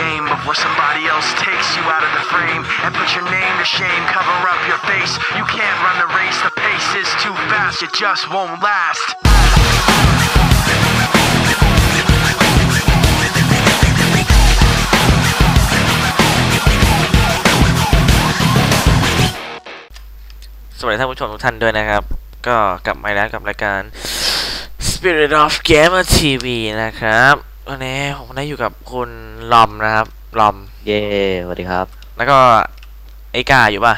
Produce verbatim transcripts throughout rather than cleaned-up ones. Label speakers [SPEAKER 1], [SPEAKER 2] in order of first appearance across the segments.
[SPEAKER 1] fame of where somebody else takes you out of the frame and put your name to shame, cover up your face. You can't run the race, the pace is too fast, it just won't last. สวัสดีท่านผู้ชมทุกท่านด้วยนะครับก็กลับมาแล้วกับรายการ Spirit of Gamer ที วี นะครับวันนี้ผมได้อยู่กับคุณลอมนะครับลอม
[SPEAKER 2] เย้สวัสดีครับ
[SPEAKER 1] แล้วก็ไอ้กาอยู่ป่ะ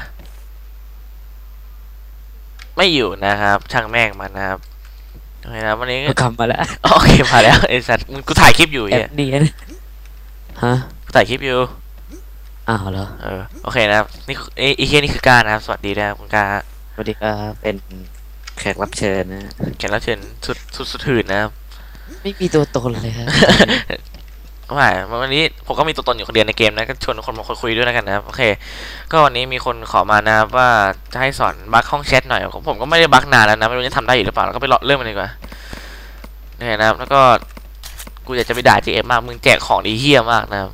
[SPEAKER 1] ไม่อยู่นะครับช่างแม่งมันนะครับโอเคนะวันนี้
[SPEAKER 2] ก็กลับมาแล้ว
[SPEAKER 1] โอเคมาแล้วไอ้สัตว์กูถ่ายคลิปอยู่เนี่ย
[SPEAKER 2] ดีนะฮะ
[SPEAKER 1] กูถ่ายคลิปอยู่
[SPEAKER 2] อ้าวเหรอ
[SPEAKER 1] เออโอเคนะครับนี่ไอ้ไอ้เฮียนี่คือการนะครับสวัสดีนะครับคุณกา
[SPEAKER 2] สวัสดีครับเป็นแขกรับเชิญนะ
[SPEAKER 1] แขกรับเชิญสุดสุดสุดหื่นนะครับ
[SPEAKER 2] ไม่มีตัวตนเลยครับ
[SPEAKER 1] ไม่วันนี้ผมก็มีตัวตนอยู่คนเดียวในเกมนะก็ชวนคนมาคุยด้วยแล้วกันนะครับโอเคก็วันนี้มีคนขอมานะครับว่าจะให้สอนบั๊กห้องแชทหน่อยผมก็ไม่ได้บั๊กนานแล้วนะไม่รู้จะทำได้อยู่หรือเปล่าแล้วก็ไปเริ่มมันดีกว่านี่นะครับแล้วก็กูอยากจะไปด่า จี เอ็ม มากมึงแจกของดีเฮี้ยมากนะครับ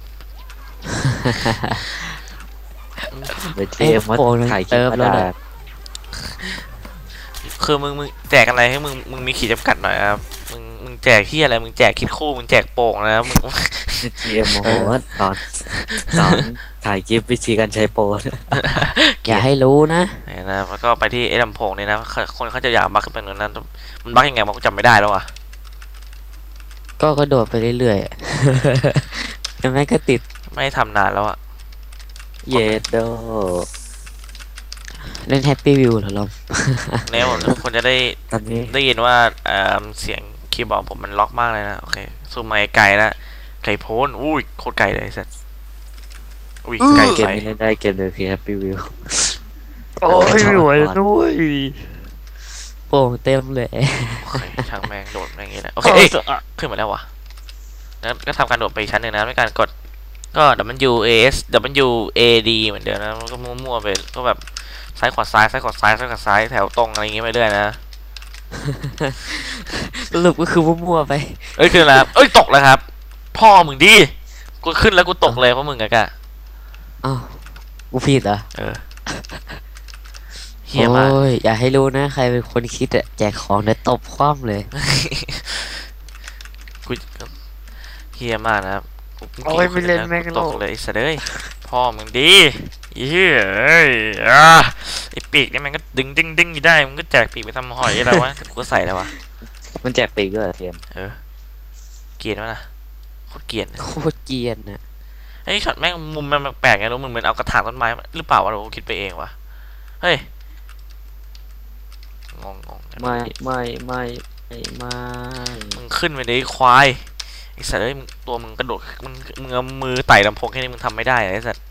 [SPEAKER 2] ไปเจมมาถ่ายคลิปแล้วนะ
[SPEAKER 1] คือมึงมึงแจกอะไรให้มึงมึงมีขีดจำกัดหน่อยครับมึงมึงแจกที่อะไรมึงแจกคิดคู่มึงแจกโป่งนะมึง
[SPEAKER 2] เจมโอ้โหตอนตอนถ่ายคลิปวิธีการใช้โปรอย่าให้รู้นะ
[SPEAKER 1] นี่นะแล้วก็ไปที่ไอ้ลำโพงนี่นะคนเขาจะอยากบักขึ้นไปนู้นนั้นมันบักยังไงมันก็จำไม่ได้แล้วอ่ะ
[SPEAKER 2] ก็กระโดดไปเรื่อยๆแต่ไม่ก็ติด
[SPEAKER 1] ไม่ทำนานแล้วอ่ะ
[SPEAKER 2] เยดโดเล่นแฮปปี้วิวเหรอลม
[SPEAKER 1] แนวคนจะได้ได้ยินว่าเสียงคีย์บอร์ดผมมันล็อกมากเลยนะโอเคซูมมาไกลแล้วไกลโพ้นอุ้ยโคตรไกลเลยสัสอุ้ยไกล
[SPEAKER 2] เกมนี้ได้เกมเลยคือแฮปปี้วิว
[SPEAKER 1] โอ้ยไม่ไหวด้วย
[SPEAKER 2] โป่งเต็มเลย
[SPEAKER 1] ช่างแมงโดดอย่างงี้นะโอเคขึ้นมาแล้ววะแล้วก็ทำการโดดไปชั้นหนึ่งนะด้วยการกดก็ W A S W A D เหมือนเดิมนะมันก็มั่วๆไปก็แบบซ้ายขวาซ้ายซ้ายขวาซ้ายซ้ายขวาซ้ายแถวตรงอะไรอย่างงี้ไปเรื่อยนะ
[SPEAKER 2] สรุปก็คือมั่วๆไป
[SPEAKER 1] เอ้ยขึ้นแล้วเอ้ยตกแล้วครับพ่อมึงดิกูขึ้นแล้วกูตกเลยเพราะมึงอะกะ
[SPEAKER 2] อ้าวกูผิดเหรอ
[SPEAKER 1] เออเฮียมาก
[SPEAKER 2] อย่าให้รู้นะใครเป็นคนคิดอะแจกของเดี๋ยวตบคว่ำเลย
[SPEAKER 1] กูเฮียมากนะครับ
[SPEAKER 2] โอ้ยไม่เล่นแม่ง
[SPEAKER 1] ตกเลยสัตว์เอ้ยพ่อมึงดีเฮ้ยอ่ะไอปีกนี่มันก็ดึงดึงดึงได้มันก็แจกปีกไปทำหอยอะไรวะกูก็ใส่แล้ววะ
[SPEAKER 2] มันแจกปีกด้วยเทียม
[SPEAKER 1] เออเกลียดวะนะโคตรเกลียด
[SPEAKER 2] โคตรเกลียดนะ
[SPEAKER 1] ไอ้ช็อตแม่งมุมมันแปลกไงรู้มึงเหมือนเอากระถางต้นไม้หรือเปล่าวะเราคิดไปเองวะเฮ้ยงงง
[SPEAKER 2] ไม่ไม่ไม่ไม่ไม่
[SPEAKER 1] มึงขึ้นไปเลยควายไอ้สัตว์เอ้ยตัวมึงกระโดดมึงมึงเอามือไต่ลำโพงแค่นี้มึงทำไม่ได้ไอ้สัตว์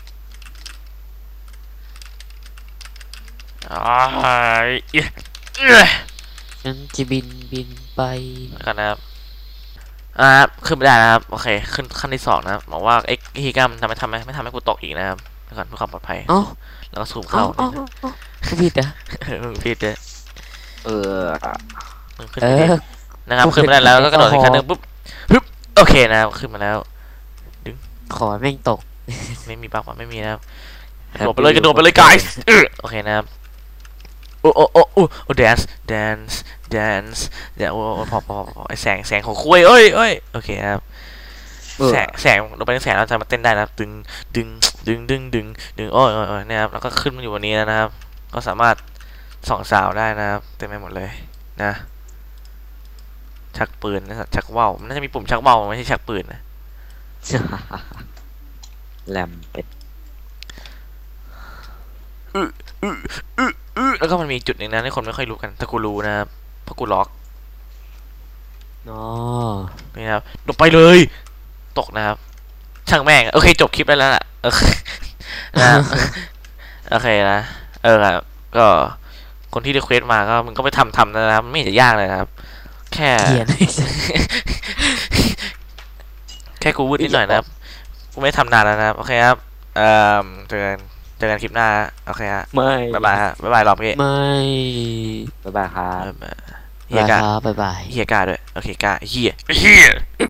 [SPEAKER 1] อ้าย
[SPEAKER 2] ฉันจะบินบินไป
[SPEAKER 1] กันนะครับอ่าขึ้นไม่ได้นะครับโอเคขึ้นขั้นที่สองนะครับบอกว่าไอ้ฮีก้ามันทำให้ทำให้ไม่ทำให้กูตกอีกนะครับก่อนเพื่อความปลอดภัยแล้วก็ซูมเข้า
[SPEAKER 2] ผิดอ่ะ
[SPEAKER 1] ผิดเลย
[SPEAKER 2] เออ
[SPEAKER 1] เออนะครับขึ้นมาได้แล้วก็กระโดดอีกขั้นหนึ่งปุ๊บปึ๊บโอเคนะขึ้นมาแล้วดึง
[SPEAKER 2] ขอแม่งตก
[SPEAKER 1] ไม่มีปักว่าไม่มีนะครับกระโดดไปเลยกระโดดไปเลย guys โอเคนะครับโอ้โอ้โอ้โอ้ dance dance dance เดี๋ยวโอ้พอพอพอไอแสงแสงของคุยเอ้ยเอ้ยโอเคครับแสงแสงเราไปแสงเราจะมาเต้นได้นะดึงดึงดึงดึงดึงดึงโอ้ยโอ้ยนะครับแล้วก็ขึ้นมาอยู่วันนี้นะครับก็สามารถส่องสาวได้นะครับเต็มไปหมดเลยนะชักปืนนะชักว่าวมันน่าจะมีปุ่มชักว่าวไม่ใช่ชักปืนนะ
[SPEAKER 2] แหลมเป็ด
[SPEAKER 1] แล้วก็มันมีจุดหนึ่งนะที่คนไม่ค่อยรู้กันแต่กูรู้นะครับเพราะกูล็อก
[SPEAKER 2] อ๋อ
[SPEAKER 1] นี่ครับลงไปเลยตกนะครับช่างแม่งโอเคจบคลิปได้แล้วล่ะโอเคนะโอเคนะเออครับก็คนที่รีเควสมาก็มึงก็ไปทำทำนะครับไม่จะยากเลยครับแค่แค่กูพูดนิดหน่อยนะครับกูไม่ทำนานแล้วนะครับโอเคครับเอ่อเจอกันเจอกันคลิปหน้าโอเคฮะ
[SPEAKER 2] ไม่
[SPEAKER 1] บ๊ายบายฮะบ๊ายบายรอบพี่
[SPEAKER 2] ไม่บ๊ายบายครับ
[SPEAKER 1] เฮียกา
[SPEAKER 2] บ๊ายบาย
[SPEAKER 1] เฮียกาด้วยโอเคกาเฮียเฮีย